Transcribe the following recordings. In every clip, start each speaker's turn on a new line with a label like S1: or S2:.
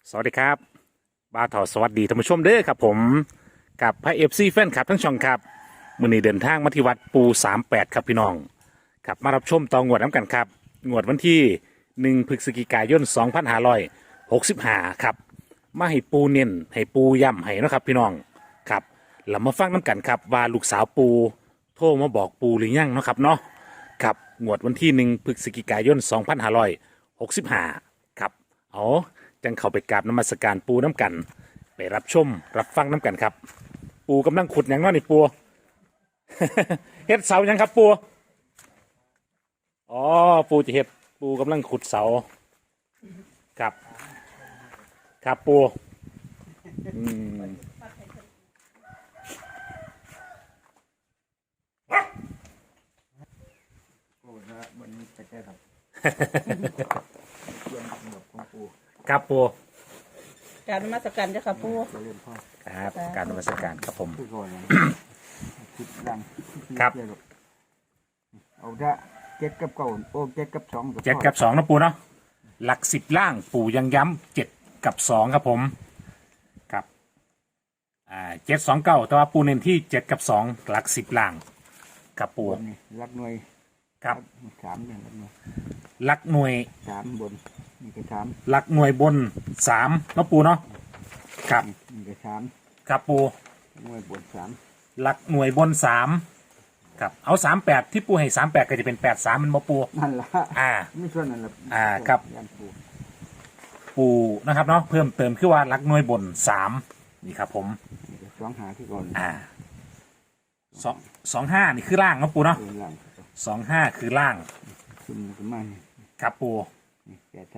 S1: สวัสดีครับบ่าวถอสวัสดีท่านผู้ชมเด้อครับผมกับพระเอฟซีแฟนคลับทั้งช่องครับมื้อนี้เดินทางมาที่วัดปู38ครับพี่น้องครับมารับชมต่องวดน้ำกันครับงวดวันที่1พฤศจิกายน2565ครับมาให้ปูเน้นให้ปูย่ำให้เนาะครับพี่น้องครับเรามาฟังน้ำกันครับว่าลูกสาวปูโทรมาบอกปูหรือยังเนาะครับเนาะครับงวดวันที่1พฤศจิกายน2565ครับเอาจังเข้าไปกราบนมัสการปูน้ำกันไปรับชมรับฟังน้ำกันครับปูกำลังขุดหยังเนาะนี่ปู เฮ็ดเสาหยังครับปูอ๋อปูจะเฮ็ดปูกำลังขุดเสาครับครับปูอืม
S2: โอ้นะวันนี้จะแก้ครับเรื่องสำหรับของปู
S1: ครับปู
S3: กรารนมัสการเจ้าค่ะปู่
S2: จะเล่นพ่อ
S1: ครับการนมัสการครับผม
S2: คือก่อนนะคิดดัง
S1: ครับ
S2: เอาถ้าเจ็ดกับเก่าโอ้เจ็ดกับสอง
S1: 7 กับ 2นะปูเนาะหลัก10ล่างปูยังย้ำ7 กับ 2ครับผมครับ7 2 9แต่ว่าปูเน้นที่7 กับ 2หลัก10ล่างครับปู
S2: บนนี่รักหน่วย
S1: ครับ
S2: สามเนี่ยรักหน่วย
S1: หลักหน่วย
S2: สามบนนี่ก็สาม
S1: หลักหน่วยบน3นะปูเนาะครับ
S2: นี่ก็สาม
S1: ครับปู
S2: หน่วยบนสาม
S1: หลักหน่วยบน3ครับเอา38ที่ปูให้38ก็จะเป็น83มันบ่ปู
S2: นั่นละ
S1: อ่า
S2: ไม่ส่วนนั่นละ
S1: ครับ
S2: ยันปู
S1: ปูนะครับเนาะเพิ่มเติมคือว่าหลักหน่วยบน3นี่ครับผม
S2: นี่ก็สองหาที่ก่อน
S1: 25นี่คือล่างนะปูเนาะ
S2: เดินหลัง
S1: 25คือล่าง
S2: ขึ้นมาประมาณนี้
S1: ครับปู
S2: นี่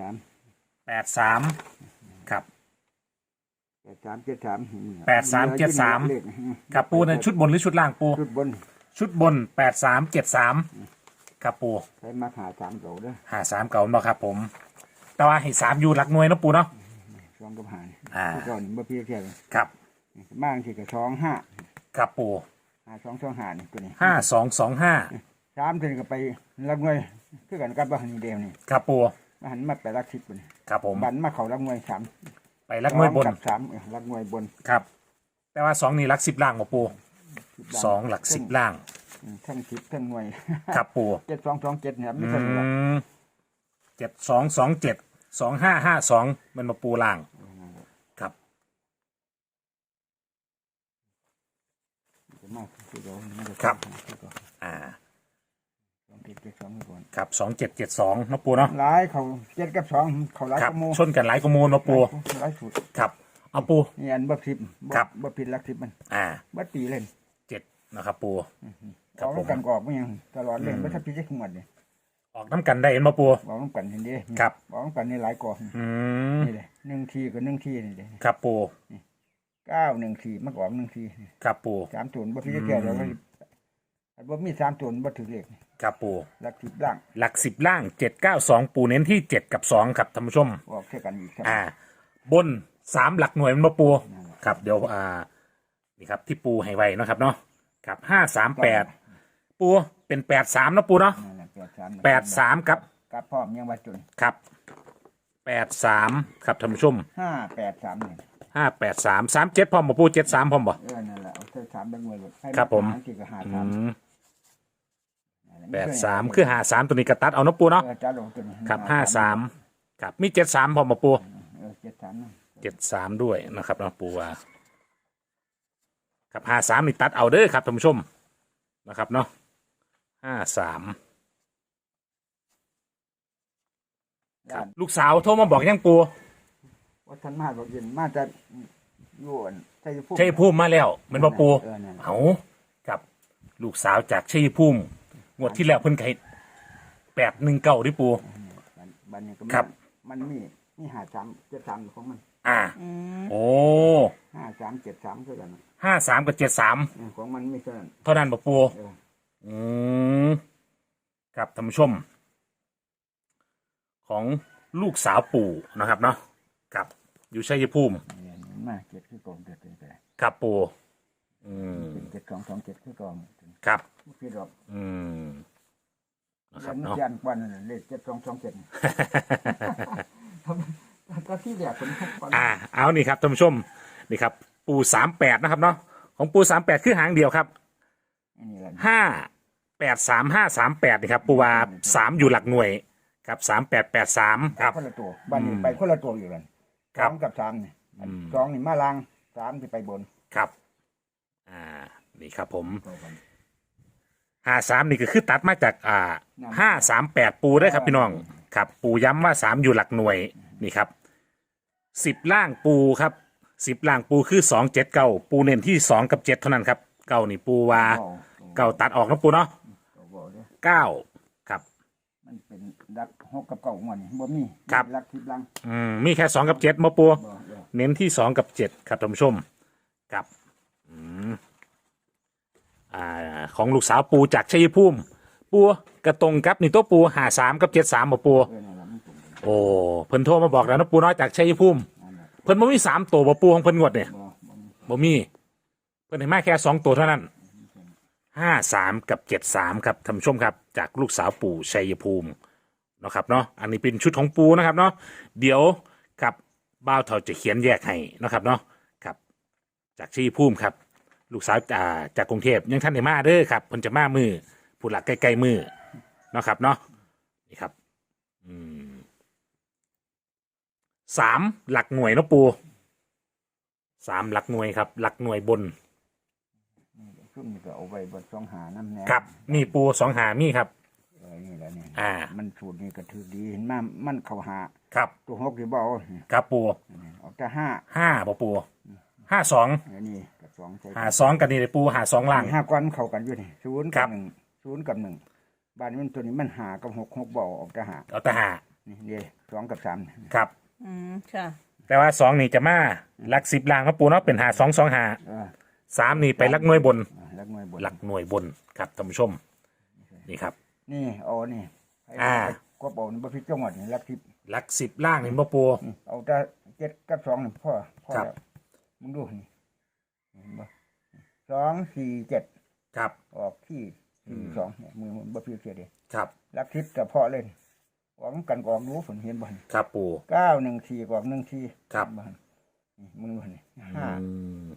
S1: 83ครับ
S2: 83 73 เลข
S1: ครับปูในชุดบนหรือชุดล่างปู
S2: ชุดบน
S1: ชุดบน8373ครับปู
S2: ใช้มาหาสามเก่าเด้อ
S1: 53เก่าเนาะครับผมแต่ว่าให้3อยู่หลักหน่วยนะปูเนาะ
S2: สองกับหานี่
S1: ที่
S2: ก่อนเมื่อพี่เทียบ
S1: ครับ
S2: บ้างที่กับสองห้า
S1: ครับปู
S2: สองหานี่ตัวนี้
S1: 5225
S2: สามตัวนี้ก็ไปรับเงยคือกันกับบ้านนี่เดียวนี่
S1: ครับปู
S2: มาหันมาไปรักทิพย์บน
S1: ครับผม
S2: บันมาเขารับเงยสาม
S1: ไปหลักหน่วยบน
S2: กับสามรับเงยบน
S1: ครับ แต่ว่า2นี่หลัก10ล่างบ่ปู2หลัก10ล่าง
S2: ทั้งทิพย์ทั้งเงย
S1: ครับปู
S2: 7227เนี่ยไม่
S1: อื
S2: ใช่หรอก
S1: ม72272552มันมาปูล่างครับ
S2: จะมากคือเราไม่ได้
S1: ครับ
S2: สองทิพย์สองก่อน
S1: ครับ2772นะปูเนาะ
S2: หลายเขาเจ็ดกับสองเขาหลาย
S1: ครับ
S2: กระโม
S1: ชนกันหลายกว่ามูลนะปู
S2: หลายสุด
S1: ครับเอาปู
S2: นี่อันบ่ทิพย์
S1: ครับ
S2: บ่ผิดรักทิพย์มัน บ่ตีเล่น
S1: 7นะครับปูค
S2: อ
S1: รับ
S2: อก
S1: ผม
S2: น้ำกันก็ออกไม่ยังตลอดเลยไม่ถ้าพี่จะขมวดเนี่ย
S1: ออกน้ำกันได้เห็นมาปู
S2: ออกน้ำกันเห็นดิ
S1: ครับ
S2: ออกน้ำกันนี่หลายกอง
S1: อืม
S2: นี่เลย1 ทีกับ1 ทีนี่เลย
S1: ครับปู
S2: 9 1 ทีมันก็ออก1 ที
S1: ครับปู
S2: 3ตัวบ่พี่จะแก่แล้วบ่มี3ตัวบ่ถือเลข
S1: ครับปู
S2: หลักทิพย์ล่าง
S1: หลัก10ล่าง792ปูเน้นที่7กับ2ครับท่านผู้ชม
S2: ออกเท่ากันอีกครับ
S1: บน3หลักหน่วยมันมาปูครับเดี๋ยวนี่ครับที่ปูให้ไว้เนาะครับเนาะครับ538ปูเป็น83นะปูเนาะ
S2: นั่นแหละ
S1: 83ครับ
S2: กับพร้อมยังว่าจน
S1: ครับ83ครับท่านผู้ชม
S2: 583นี่
S1: 58337พร้อมบ่ปู73พร้อมบ่
S2: นั่นแหละเอาเท่า3เป็นหน่วยหมดให้
S1: ครับผม
S2: ที่ก็
S1: อื
S2: 53
S1: ม83คือ53ตัวนี้กระตัดเอาเนาะปูเนาะ
S2: จ้าลงตัวนี้
S1: ครับ53ครับมี73พร้อมบ่ปู
S2: 73นะ
S1: 73ด้วยนะครับเนาะปูว่าครับ53นี่ตัดเอาเด้อครับท่านผู้ชมนะครับเนาะ53ครับลูกสาวโทรมาบอกยังปู
S2: วัฒนมาบอกเย็นมาจะอยู่อันชัยภูมิ
S1: ชัยภูมิมาแล้วแมันบ่ปู
S2: นั่น
S1: เอาครับลูกสาวจากชัยภูมิงวดที่แล้วเพิ่นไข่819ดิปู
S2: บันนี้ก็
S1: ครับ
S2: มันมี5373ของมัน
S3: อืม
S1: โอ้
S2: 5373เท่ากัน
S1: 53กับ73
S2: ของมันไม่เท่านั้น
S1: เท่านั้นบ่ปู
S2: เออ
S1: อืมครับท่านผู้ชม ของลูกสาวปู่นะครับเนาะครับอยู่ชัยภูมิ
S2: เนี่ยมาเจ็ดคือกองเด็ดเลยแต่
S1: ครับปู่อืม
S2: 7227คือกอง
S1: ครับ
S2: พี่ดอก
S1: อืมนะค
S2: ยั
S1: รับ
S2: น
S1: เนาะ
S2: ยันกว่านั่นเลข7227ก็ที่แรกเป็นทุกคน
S1: เอานี่ครับท่านผู้ชมนี่ครับปู38นะครับเนาะของปู38คือหางเดียวครับ
S2: อันนี้แหละ
S1: 583538นี่ครับปูว่า3อยู่หลักหน่วยครับ3883ครับ
S2: คนละตัวบ้านนี้ไปคนละตัวอยู่กัน
S1: ครั
S2: ส
S1: บ
S2: องกับสามเนี่ยสองนี่มาล่างสามที่ไปบน
S1: ครับนี่ครับผม
S2: ตัวกัน
S1: 53นี่ก็คือตัดมาจาก538ปูได้ครับพี่น้องครับปูย้ำว่า3อยู่หลักหน่วยนี่ครับ10ล่างปูครับ10ล่างปูคือ279ปูเน้นที่2กับ7เท่านั้นครับเก้านี่ปูว่าเก้าตัดออกนะปูเนาะ
S2: ตัวบอกเด้อ
S1: 9ครับ
S2: มันเป็นรักหกกับเก่าหมดนี่บ่มี
S1: ครับ
S2: รักทิพย์ลัง
S1: มีแค่2กับ7มาปู
S2: บ่เด้อ
S1: เน้นที่2กับ7ครับท่านผู้ชมครับของลูกสาวปูจากชัยภูมิปูกระตรงกับนี่ตัวปู53กับ73บ่ปู
S2: นั่นแหละมันตรงกัน
S1: โอ้เพิ่นโทรมาบอกแล้วนะปูน้อยจากชัยภูมิ
S2: นั่นแหละ
S1: เพิ่นบ่มี3ตัวบ่ปูของเพิ่นงวดเนี่ย
S2: บ่มี
S1: บ่มีเพิ่นให้มาแค่2ตัวเท่านั้น53กับ73ครับท่านผู้ชมครับจากลูกสาวปู่ชัยภูมิเนาะครับเนาะอันนี้เป็นชุดของปูนะครับเนาะเดี๋ยวกับบ่าวเฒ่าจะเขียนแยกให้เนาะครับเนาะครับจากชัยภูมิครับลูกสาวจากกรุงเทพยังท่านได้มาเด้อครับเพิ่นจะมามือผู้หลักใกล้ๆมือเนาะครับเนาะนี่ครับ3หลักหน่วยเนาะปู3หลักหน่วยครับหลักหน่วยบน
S2: ซุ่มนี่ก็เอาไว้บนสองหาน้ำแน่
S1: ครับมีปู2หามีครับ
S2: นี่แหละนี่
S1: มัน
S2: สูตรนี้ก็ถือดีเห็นมามันเข้าหา
S1: ครับ
S2: ตัวหกที่บ่เอา
S1: ครับปู
S2: เอาแต่ห้า
S1: 5บ่ปู52
S2: อันนี้กับสองใช่
S1: 52กันนี่เลยปู52ล่าง
S2: ห้าก้อนเข้ากันอยู่นี่ศูนย์
S1: ครั
S2: กับบ หนึ่งศูนย์กับหนึ่งบ้านนี้มันตัวนี้มันหากับหกบ่เอาออกแต่หา
S1: เอาแต่หา
S2: นี่สองกับสาม
S1: ครับ
S3: ค่ะ
S1: แต่ว่า2นี่จะมาหลัก10ล่างเนาะปูเนาะเป็น52 25 3นี่ไปหลักหน่วยบน
S2: ลักหน่วยบน
S1: หลักหน่วยบนครับท่านผู้ชมนี่ครับ
S2: นี่เอานี่ ก็เอาบ่พิจจังหวัดนี่ลักทิพย์
S1: หลัก10ล่างนี่บ่ปู
S2: เอาแต่เจ็ดกับสองนี่พ่อ
S1: ครับ
S2: แล้วมึงดูนี่เห็นบ่สองสี่เจ็ด
S1: ครับ
S2: ออกที่สองเนี่ยมือมันบ่พิจเสียเดี
S1: ครับ
S2: ลักทิพย์แต่พ่อเล่นหวังกันกออกรู้ผลเห็นบ่
S1: ครับปู
S2: 914กออก14
S1: ครับ
S2: บ่นี่มึงดูนี่
S1: อืม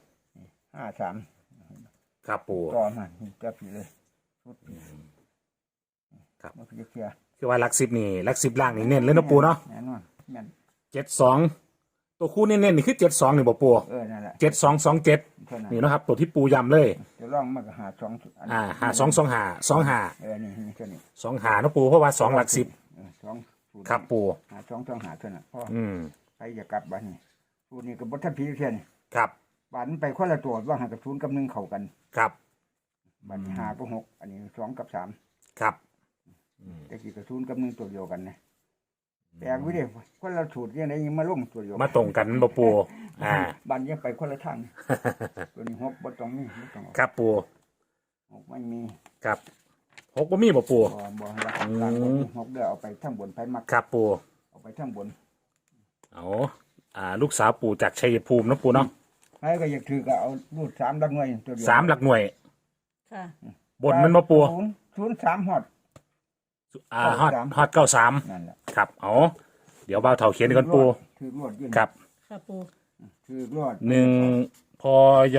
S2: 53
S1: ครับปู
S2: ก่อนมันจะผิดเลยชุด
S1: ครับ
S2: บ่พิจเสีย
S1: คือว่าหลัก10นี่หลัก10ล่างนี่เน้นเลยเนาะปูเนาะ
S2: แน่นอนแม่น
S1: 72ตัวคู่เน้นๆนี่คือ72นี่บ่ปู
S2: นั่นแหละ
S1: 7227
S2: เท่านั้น
S1: นี่เนาะครับตัวที่ปูย้ำเลย
S2: จะลองมันก็หาสองอัน
S1: 5225
S2: นี่เท่านี้
S1: 25เนาะปูเพราะว่า2หลัก10
S2: สองสูต
S1: ครับปู
S2: หาสองหาเท่านั้นพ่อ
S1: อืม
S2: ใครจะกลับบ้านนี่สูตรนี้ก็บ่ทันพิจเสียนี่
S1: ครับ
S2: บ้านมันไปคนละตัวว่าหากับศูนย์กับหนึ่งเข้ากัน
S1: ครับ
S2: บ้านนี้หาก็หกอันนี้สองกับสาม
S1: ครับ
S2: แต่กี่กับศูนย์กับหนึ่งตัวเดียวกันนะแปลกวิเดีคนละสูตรยังไงยังมาลงตัวเดียว
S1: มาตรงกันบ่ปู
S2: บ้านยังไปคนละทางตัวนี้หกบ่ต้องมีบ่ต้องเอา
S1: ครับปู
S2: หกไม่มี
S1: ครับ6บ่มีบ่ปู
S2: บ่รักการบ่มีหกเด้อเอาไปทั้งบนไปมัก
S1: ครับปู
S2: เอาไปทั้งบน
S1: เอาลูกสาวปูจากชัยภูมิเนาะปูเนาะ
S2: ใครก็อยากถือก็เอารูดสามดักหน่วยตัวเดียว
S1: 3หลักหน่วย
S3: ค่ะ
S1: บนมันบ่ปู
S2: ศูนย์สามฮอด
S1: ฮอด93
S2: นั่นแหละ
S1: ครับเอาเดี๋ยวบ่าวเฒ่าเขียนก่อนปู
S2: ถือรวดยื่น
S1: ครับ
S3: ค่ะปู
S2: ถือรวด
S1: 1พย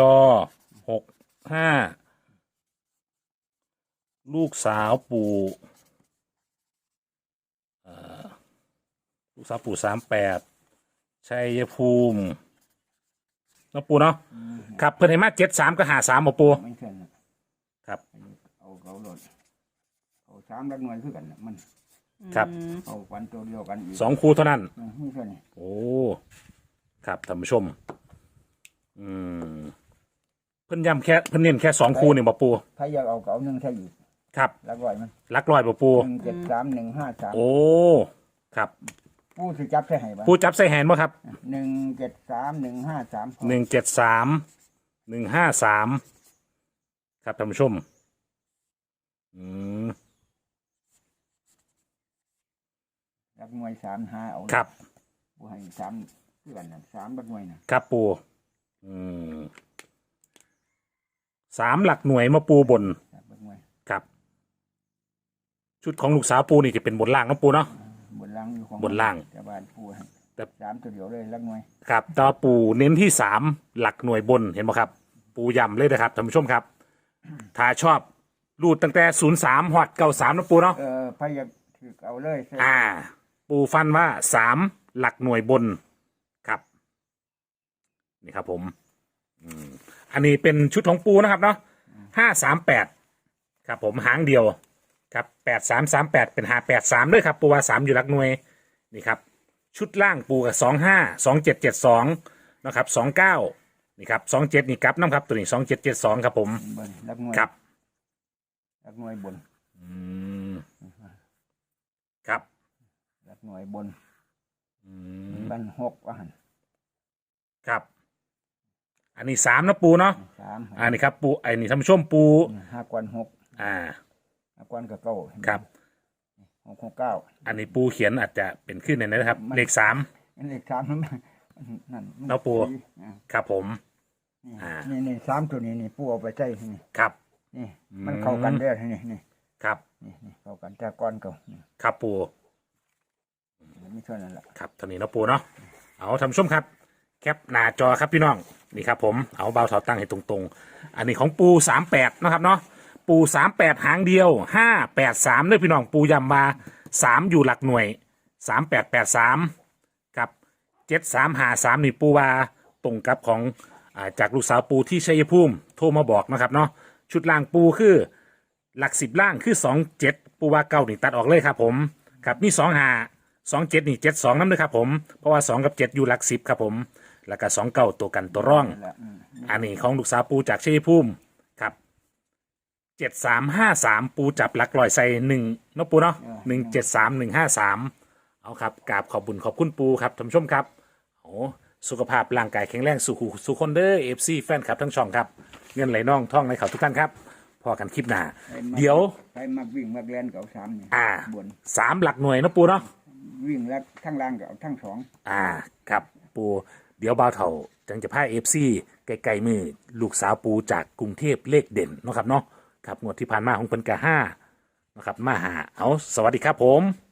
S1: 65ลูกสาวปู่ลูกสาวปู่38ชัยภูมิเนาะปูเนาะครับเพิ่นให้มา73ก็53บ่ปู
S2: ไม่ใช่นะครับ เอาเขารวดเอาสามดักหน่วยคือกันน่ะมัน
S1: ครับ
S2: เอาวันตัวเดียวกันอีก
S1: 2คู่เท่านั้น
S2: ไม่ใช่นี่
S1: โอ้ ครับท่านผู้ชม เพิ่นย้ำแค่เพิ่นเน้นแค่2คู่นี่บ่ปู
S2: ถ้าอยากเอาก็เอาหนึ่งใช่อีก
S1: ครับ
S2: แล้วร้อยมัน
S1: หลักร้อยบ่ปู
S2: 173 153
S1: โอ้ ครับ
S2: ผู้สิจับใช่ไหมบ้าง
S1: ปูจับใส่แฮนด์บ่ครับ
S2: 173 153
S1: 173 ครับท่านผู้ชม
S2: ดักหน่วย3 5เอา
S1: ครับ
S2: ผู้ให้3คือกันน่ะ3ดักหน่วยน่ะ
S1: ครับปู3หลักหน่วยมาปูบน
S2: ดักหน่วย
S1: ครับ ชุดของลูกสาวปูนี่จะเป็นบนล่างเนาะปูเนาะ
S2: บนล่างอยู่ของ
S1: บนล่าง
S2: แต่บ้านผู้ให้สามตัวเดียวเลยลักหน่วย
S1: ครับต่อปูเน้นที่3หลักหน่วยบนเห็นไหมครับ ปูย้ำเลยนะครับท่านผู้ชมครับ ถ้าชอบรูดตั้งแต่03หอด93นะปูเนาะ
S2: พยายามถือเอาเลยใช่
S1: ปูฟันว่า3หลักหน่วยบนครับนี่ครับผมอันนี้เป็นชุดของปูนะครับเนาะ538ครับผมหางเดียวครับ8338เป็น583ด้วยครับปูว่า3อยู่หลักหน่วยนี่ครับชุดล่างปูกับ252772นะครับ29นี่ครับ27นี่กลับน้ำครับตัวนี้2772ครับผม
S2: บนลักหน่วย
S1: ครับ
S2: ลักหน่วยบน
S1: ครับ
S2: ลักหน่วยบนบันหกว่าหัน
S1: ครับอันนี้3นะปูเนาะ
S2: สาม
S1: อันนี้ครับปูไอ้นี่ท่านผู้ชมปู
S2: 5 กวน 6 5 กวนกับเก้า
S1: ครับ
S2: 6 9
S1: อันนี้ปูเขียนอาจจะเป็นขึ้นในนั้นนะครับเลข3
S2: อันเลข3นั่น
S1: เอาปู ครับผม
S2: นี่3ตัวนี้นี่ปูเอาไปใส่นี่
S1: ครับ
S2: นี่มันเข้ากันเด้อนี่
S1: ครับ
S2: นี่เข้ากันแต่ก้อนเก่านี่
S1: ครับปู
S2: ไม่เท่านั้นแหละ
S1: ครับเท่านี้เนาะปูเนาะเอาท่านผู้ชมครับ แคปหน้าจอครับพี่น้องนี่ครับผมเอาเบาเถาตั้งให้ตรงๆ อันนี้ของปู38นะครับเนาะปู38หางเดียว583เลยพี่น้องปูย้ำมา3อยู่หลักหน่วย3883กับ7353นี่ปูว่าตรงกับของจากลูกสาวปูที่ชัยภูมิโทรมาบอกนะครับเนาะชุดล่างปูคือหลัก10ล่างคือ27ปูว่าเก้านี่ตัดออกเลยครับผมครับมี2527นี่72นั่นเลยครับผมเพราะว่า2กับ7อยู่หลัก10ครับผมแล้วก็29ตัวกันตัวร่อง
S2: นั่นแหละ
S1: อันนี้ของลูกสาวปูจากชัยภูมิครับ7353ปูจับหลักลอยใส่1เนาะปูเนาะ173153เอาครับกราบขอบบุญขอบคุณปูครับท่านผู้ชมครับโอ้สุขภาพร่างกายแข็งแรงสุขคนเด้อ FC แฟนครับทั้งช่องครับเงินไหลน่องท่องไหลเขาทุกท่านครับพอกันคลิปหน้าเดี๋ยว
S2: ใครมักวิ่งมักแล่นก็เอา3นี่บน
S1: 3หลักหน่วยเนาะปูเนาะ
S2: วิ่งแล้วทั้งล่างก็เอาทั้งสอง
S1: ครับปูเดี๋ยวบ่าวเถ่าจังจะพา FC ไกลๆมือลูกสาวปูจากกรุงเทพเลขเด่นเนาะครับเนาะครับงวดที่ผ่านมาของเพิ่นกะ5นะครับมาหาเอาสวัสดีครับผม